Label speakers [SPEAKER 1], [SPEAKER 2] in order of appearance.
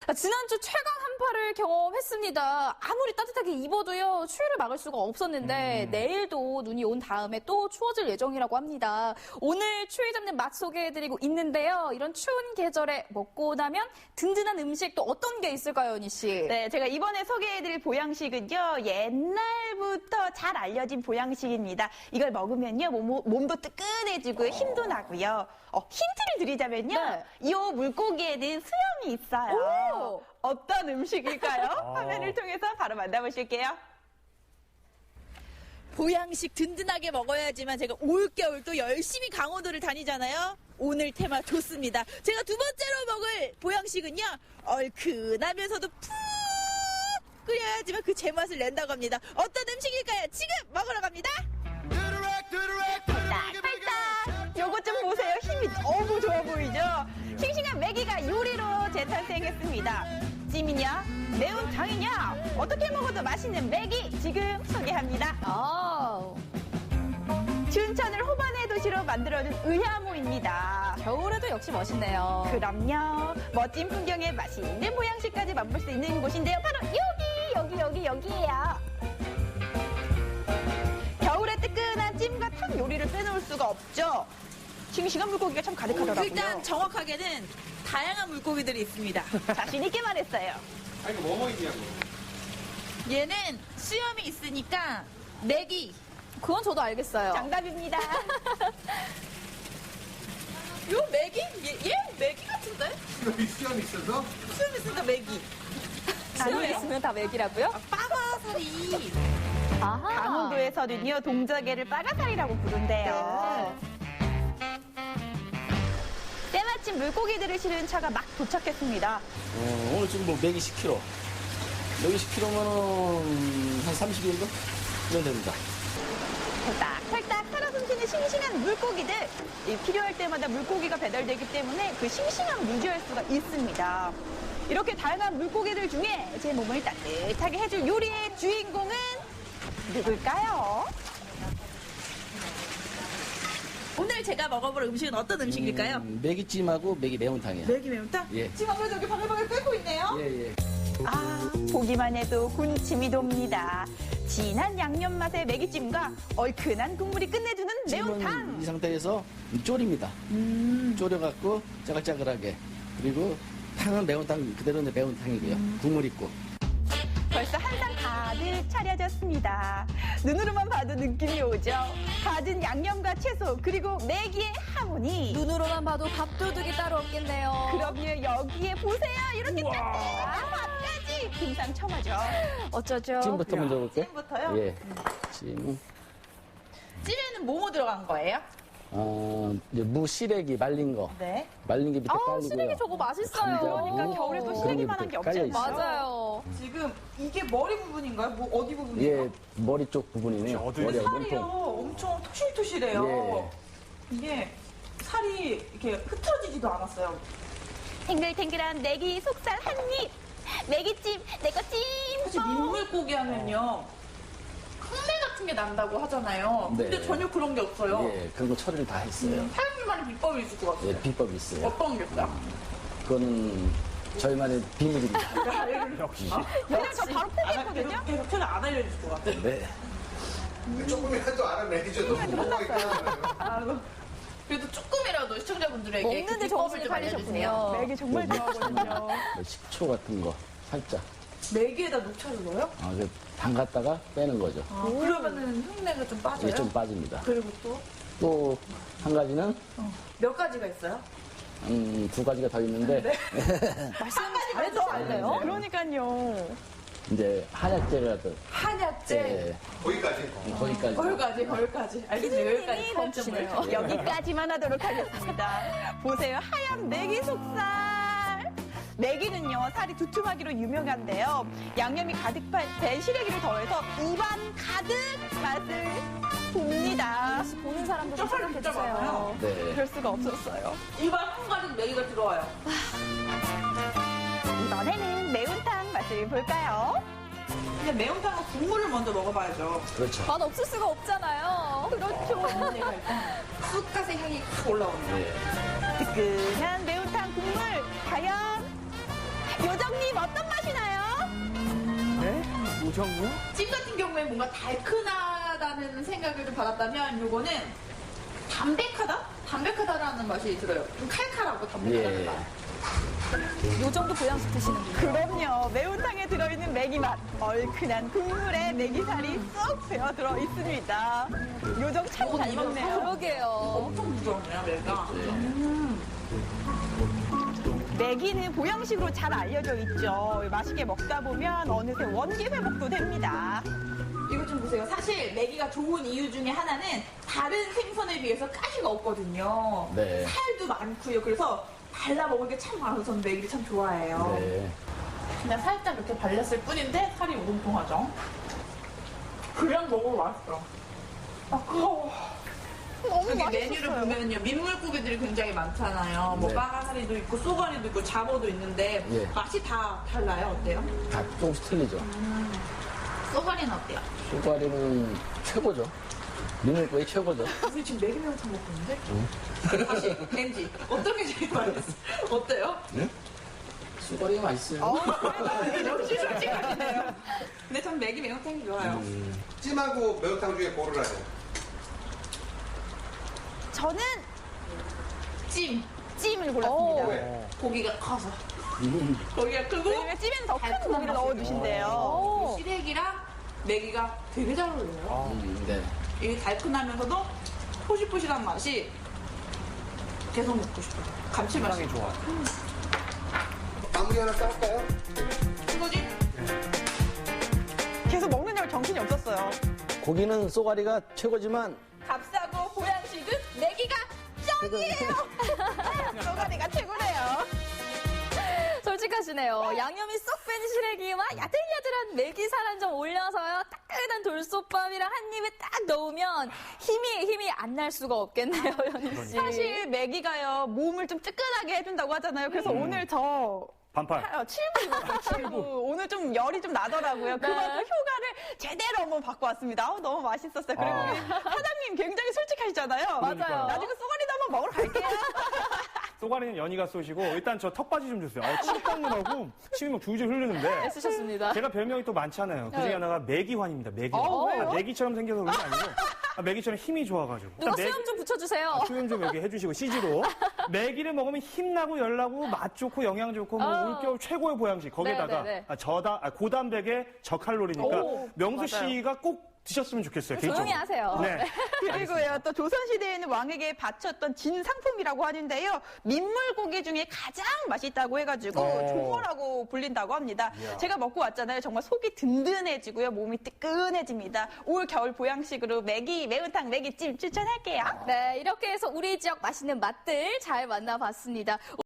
[SPEAKER 1] 지난주 최강 한파를 경험했습니다. 아무리 따뜻하게 입어도요, 추위를 막을 수가 없었는데 내일도 눈이 온 다음에 또 추워질 예정이라고 합니다. 오늘 추위 잡는 맛 소개해드리고 있는데요. 이런 추운 계절에 먹고 나면 든든한 음식 또 어떤 게 있을까요, 은희 씨?
[SPEAKER 2] 네, 제가 이번에 소개해드릴 보양식은요, 옛날부터 잘 알려진 보양식입니다. 이걸 먹으면요, 몸도 뜨끈해지고 힘도 나고요. 힌트를 드리자면요,
[SPEAKER 1] 네.
[SPEAKER 2] 이 물고기에는 수염이 있어요.
[SPEAKER 1] 오!
[SPEAKER 2] 어떤 음식일까요? 화면을 통해서 바로 만나보실게요.
[SPEAKER 3] 보양식 든든하게 먹어야지만 제가 올겨울 또 열심히 강원도를 다니잖아요. 오늘 테마 좋습니다. 제가 두 번째로 먹을 보양식은요, 얼큰하면서도 푹 끓여야지만 그 제맛을 낸다고 합니다. 어떤 음식일까요? 지금 먹으러 갑니다.
[SPEAKER 2] 팔딱! 요거 좀 보세요. 힘이 너무 좋아 보이죠? 싱싱한 메기가 요리로 재탄생했습니다. 찜이냐? 매운탕이냐? 어떻게 먹어도 맛있는 메기 지금 소개합니다. 춘천을 호반의 도시로 만들어준 의하모입니다.
[SPEAKER 1] 겨울에도 역시 멋있네요.
[SPEAKER 2] 그럼요. 멋진 풍경에 맛있는 보양식까지 맛볼 수 있는 곳인데요. 바로 여기예요. 겨울에 뜨끈한 찜과 탕 요리를 빼놓을 수가 없죠. 싱싱한 물고기가 참 가득하더라고요.
[SPEAKER 3] 일단 정확하게는 다양한 물고기들이 있습니다.
[SPEAKER 2] 자신 있게 말했어요.
[SPEAKER 4] 아니, 이거 뭐 있냐고.
[SPEAKER 3] 얘는 수염이 있으니까 메기.
[SPEAKER 1] 그건 저도 알겠어요.
[SPEAKER 2] 정답입니다.
[SPEAKER 3] 요 메기? 얘 메기 같은데?
[SPEAKER 4] 수염 있어서?
[SPEAKER 3] 수염 있으니까 메기.
[SPEAKER 1] 수염 있으면 다 맥이라고요?
[SPEAKER 3] 빠가살이.
[SPEAKER 1] 아하.
[SPEAKER 2] 강원도에서는요, 동작개를 빠가살이라고 부른대요. 때마침 물고기들을 실은 차가 막 도착했습니다.
[SPEAKER 5] 오늘 지금 뭐 맥이 10kg. 맥이 10kg면은 한 30일 정도? 이면 됩니다.
[SPEAKER 2] 펄딱펄딱 살아 숨쉬는 싱싱한 물고기들. 필요할 때마다 물고기가 배달되기 때문에 그 싱싱함 유지할 수가 있습니다. 이렇게 다양한 물고기들 중에 제 몸을 따뜻하게 해줄 요리의 주인공은 누굴까요?
[SPEAKER 3] 오늘 제가 먹어볼 음식은 어떤 음식일까요?
[SPEAKER 5] 맥이찜하고 맥이 매운탕이에요.
[SPEAKER 3] 메기 매운탕?
[SPEAKER 5] 예.
[SPEAKER 3] 지금 아무래도 여기 바글바글 끓고 있네요.
[SPEAKER 5] 예.
[SPEAKER 2] 보기만 해도 군침이 돕니다. 진한 양념 맛의 메기찜과 얼큰한 국물이 끝내주는 매운탕.
[SPEAKER 5] 이 상태에서 졸입니다. 졸여갖고 짜글짜글하게. 그리고 탕은 매운탕 그대로인데 매운탕이고요. 국물 있고.
[SPEAKER 2] 벌써 한상 가득 차려졌습니다. 눈으로만 봐도 느낌이 오죠. 가진 양념과 채소 그리고 메기의 하모니.
[SPEAKER 1] 눈으로만 봐도 밥도둑이 따로 없겠네요.
[SPEAKER 2] 그럼요, 여기에 보세요. 이렇게 따뜻한 밥까지 금상첨화죠.
[SPEAKER 1] 어쩌죠?
[SPEAKER 5] 찜부터 먼저 볼게요.
[SPEAKER 3] 찜부터요?
[SPEAKER 5] 예. 찜.
[SPEAKER 3] 찜에는 뭐뭐 들어간 거예요?
[SPEAKER 5] 이제 무 시래기 말린 거.
[SPEAKER 3] 네.
[SPEAKER 5] 말린 게 밑에 깔리고요.
[SPEAKER 1] 시래기 저거 맛있어요.
[SPEAKER 5] 감자,
[SPEAKER 2] 그러니까
[SPEAKER 5] 무,
[SPEAKER 2] 겨울에도
[SPEAKER 5] 그런
[SPEAKER 2] 시래기만한
[SPEAKER 5] 밑에
[SPEAKER 2] 게 없지
[SPEAKER 5] 깔려 있어요.
[SPEAKER 2] 않나요?
[SPEAKER 1] 맞아요.
[SPEAKER 3] 지금 이게 머리 부분인가요? 뭐 어디 부분이에요?
[SPEAKER 5] 예, 머리 쪽 부분이네요. 머리하고
[SPEAKER 3] 살이요.
[SPEAKER 5] 몸통.
[SPEAKER 3] 엄청 토실토실해요.
[SPEAKER 5] 예.
[SPEAKER 3] 이게 살이 이렇게 흐트러지지도 않았어요.
[SPEAKER 2] 탱글탱글한 메기 속살 한 입. 메기찜, 내거
[SPEAKER 3] 사실
[SPEAKER 2] 찜.
[SPEAKER 3] 민물고기 하면요. 흙내 같은 게 난다고 하잖아요.
[SPEAKER 5] 네.
[SPEAKER 3] 근데 전혀 그런 게 없어요.
[SPEAKER 5] 예, 그런 거 처리를 다 했어요.
[SPEAKER 3] 사장님만의 비법이 있을 것 같아요.
[SPEAKER 5] 예, 비법이 있어요.
[SPEAKER 3] 어떤 게 있어요?
[SPEAKER 5] 그거는 저희만의 비밀입니다.
[SPEAKER 2] 그냥 저 바로 포기했거든요.
[SPEAKER 3] 계속 저는 안 알려줄 것 같아요.
[SPEAKER 5] 네.
[SPEAKER 4] 조금이라도 알아내죠. 너무 뭐가
[SPEAKER 3] 그래도 조금이라도 시청자분들에게
[SPEAKER 1] 먹는데
[SPEAKER 3] 그
[SPEAKER 1] 정신이
[SPEAKER 3] 비법을 좀 알려주세요.
[SPEAKER 1] 팔리셨군요.
[SPEAKER 2] 메기 정말 좋아하거든요.
[SPEAKER 5] 식초 같은 거 살짝.
[SPEAKER 3] 메기에다 녹차를 넣어요?
[SPEAKER 5] 담갔다가 빼는 거죠.
[SPEAKER 3] 그러면은 흉내가 좀 빠져요?
[SPEAKER 5] 이게 좀 빠집니다.
[SPEAKER 3] 그리고 또
[SPEAKER 5] 또 한 가지는
[SPEAKER 3] 몇 가지가 있어요?
[SPEAKER 5] 두 가지가 더 있는데
[SPEAKER 1] 말씀 잘해주시네요.
[SPEAKER 2] 그러니까요.
[SPEAKER 5] 이제 한약재라도
[SPEAKER 3] 한약재.
[SPEAKER 5] 예,
[SPEAKER 4] 거기까지.
[SPEAKER 5] 거기까지.
[SPEAKER 3] 거기까지. 알겠어요. 여기까지
[SPEAKER 1] 멈추시네요.
[SPEAKER 3] 점을.
[SPEAKER 2] 여기까지만 하도록 하겠습니다. 보세요. 하얀 메기 속살. 메기는요, 살이 두툼하기로 유명한데요. 양념이 가득 밴 시래기를 더해서 입안 가득 맛을 봅니다.
[SPEAKER 1] 보는 사람도 좀
[SPEAKER 3] 진짜 진짜
[SPEAKER 1] 생각해주세요.
[SPEAKER 3] 많아요.
[SPEAKER 5] 네.
[SPEAKER 2] 그럴 수가 없었어요.
[SPEAKER 3] 입안 한가득 메기가 들어와요.
[SPEAKER 2] 이번에는 매운탕 맛을 볼까요?
[SPEAKER 3] 근데 매운탕은 국물을 먼저 먹어봐야죠.
[SPEAKER 5] 그렇죠.
[SPEAKER 1] 맛 없을 수가 없잖아요.
[SPEAKER 2] 그렇죠.
[SPEAKER 3] 내가 일단 쑥갓의 향이 확 올라오네요.
[SPEAKER 5] 예.
[SPEAKER 2] 뜨끈한 매운탕 국물 과연 요정님 어떤 맛이 나요?
[SPEAKER 6] 네? 요정이요?
[SPEAKER 3] 찜 같은 경우에 뭔가 달큰하다는 생각을 좀 받았다면 요거는 담백하다라는 맛이 들어요. 좀 칼칼하고 담백하다는
[SPEAKER 5] 예.
[SPEAKER 3] 맛.
[SPEAKER 1] 요 정도 보양식 드시는군요.
[SPEAKER 2] 그럼요. 매운탕에 들어있는 메기 맛. 얼큰한 국물에 메기살이 쏙 배어 들어 있습니다. 요정 참 잘 먹네요.
[SPEAKER 1] 그러게요.
[SPEAKER 3] 엄청 부드럽네요, 매가.
[SPEAKER 2] 메기는 보양식으로 잘 알려져 있죠. 맛있게 먹다 보면 어느새 원기 회복도 됩니다.
[SPEAKER 3] 이거 좀 보세요. 사실 메기가 좋은 이유 중에 하나는 다른 생선에 비해서 가시가 없거든요.
[SPEAKER 5] 네.
[SPEAKER 3] 살도 많고요. 그래서 발라 먹을 게 참 많아서 저는 메기를 참 좋아해요.
[SPEAKER 5] 네.
[SPEAKER 3] 그냥 살짝 이렇게 발렸을 뿐인데 살이 우동통하죠. 그냥 먹어도 맛있어. 아까워.
[SPEAKER 2] 너무
[SPEAKER 3] 여기 메뉴를
[SPEAKER 2] 맛있었어요.
[SPEAKER 3] 보면요. 민물고기들이 굉장히 많잖아요. 뭐
[SPEAKER 5] 네.
[SPEAKER 3] 빠가사리도 있고 쏘가리도 있고 잡어도 있는데
[SPEAKER 5] 예.
[SPEAKER 3] 맛이 다 달라요. 어때요?
[SPEAKER 5] 다 조금씩 틀리죠.
[SPEAKER 3] 쏘가리는 어때요?
[SPEAKER 5] 쏘가리는 최고죠. 민물고기 최고죠.
[SPEAKER 3] 선생님 지금 메기 매운탕 먹고 있는데? 다시 렌지 어떤 게 제일 맛있어? 어때요?
[SPEAKER 5] 쏘가리가 맛있어요.
[SPEAKER 3] 역시 솔직하시네요. 근데 전 메기 매운탕이 좋아요.
[SPEAKER 4] 찜하고 매운탕 중에 고르라요.
[SPEAKER 2] 저는
[SPEAKER 3] 찜
[SPEAKER 2] 찜을 골랐습니다.
[SPEAKER 4] 왜?
[SPEAKER 3] 고기가 커서 고기가 크고
[SPEAKER 2] 왜냐면 찜에는 더 큰
[SPEAKER 3] 달콤한
[SPEAKER 2] 고기를
[SPEAKER 3] 맛이
[SPEAKER 2] 넣어주신대요.
[SPEAKER 3] 시래기랑 메기가 되게 잘 어울려요.
[SPEAKER 5] 네.
[SPEAKER 3] 이 달큰하면서도 포실포실한 맛이 계속 먹고 싶어요. 감칠맛이
[SPEAKER 6] 상당히 좋아.
[SPEAKER 4] 마무리 하나 싸울까요?
[SPEAKER 3] 이거지?
[SPEAKER 2] 계속 먹는 줄 정신이 없었어요.
[SPEAKER 5] 고기는 쏘가리가 최고지만
[SPEAKER 3] 값싸고 보양식은 메기가
[SPEAKER 2] 쏘가리가 최고래요.
[SPEAKER 1] 솔직하시네요. 양념이 쏙 뺀 시래기와 야들야들한 메기살 한 점 올려서요. 따끈한 돌솥밥이랑 한 입에 딱 넣으면 힘이 안 날 수가 없겠네요, 현희 씨.
[SPEAKER 2] 사실 메기가요, 몸을 좀 뜨끈하게 해준다고 하잖아요. 그래서 오늘 저
[SPEAKER 6] 반팔.
[SPEAKER 2] 7부 입었어요, 7부. 오늘 좀 열이 좀 나더라고요. 그만큼 효과를 제대로 한번 받고 왔습니다. 아우, 너무 맛있었어요. 그리고
[SPEAKER 6] 아.
[SPEAKER 2] 사장님 굉장히 솔직하시잖아요.
[SPEAKER 1] 맞아요.
[SPEAKER 2] 나중에 쏘가리도 한번 먹으러 갈게요.
[SPEAKER 6] 쏘가리는 연희가 쏘시고 일단 저 턱받이 좀 주세요. 침 닦느라고 침이 막 줄줄 흐르는데
[SPEAKER 1] 쓰셨습니다.
[SPEAKER 6] 제가 별명이 또 많잖아요. 그중에
[SPEAKER 1] 네.
[SPEAKER 6] 하나가 메기환입니다. 메기환.
[SPEAKER 2] 왜요?
[SPEAKER 6] 메기처럼 생겨서 그런 게 아니고 메기처럼 힘이 좋아가지고.
[SPEAKER 1] 누가
[SPEAKER 6] 메기-
[SPEAKER 1] 수염 좀 붙여주세요.
[SPEAKER 6] 수염 좀 여기 해주시고 CG로 메기를 먹으면 힘나고 열나고 맛 좋고 영양 좋고 뭐
[SPEAKER 1] 어.
[SPEAKER 6] 올겨울 최고의 보양식 거기다가
[SPEAKER 1] 네, 네,
[SPEAKER 6] 고단백에 저칼로리니까
[SPEAKER 1] 오,
[SPEAKER 6] 명수 씨가 꼭 드셨으면 좋겠어요.
[SPEAKER 1] 조용히
[SPEAKER 6] 개인적으로.
[SPEAKER 1] 하세요.
[SPEAKER 6] 네.
[SPEAKER 2] 그리고요, 또 조선시대에는 왕에게 바쳤던 진상품이라고 하는데요. 민물고기 중에 가장 맛있다고 해가지고 조어라고 불린다고 합니다. 제가 먹고 왔잖아요. 정말 속이 든든해지고요. 몸이 뜨끈해집니다. 올 겨울 보양식으로 매운탕, 메기찜 추천할게요.
[SPEAKER 1] 네, 이렇게 해서 우리 지역 맛있는 맛들 잘 만나봤습니다.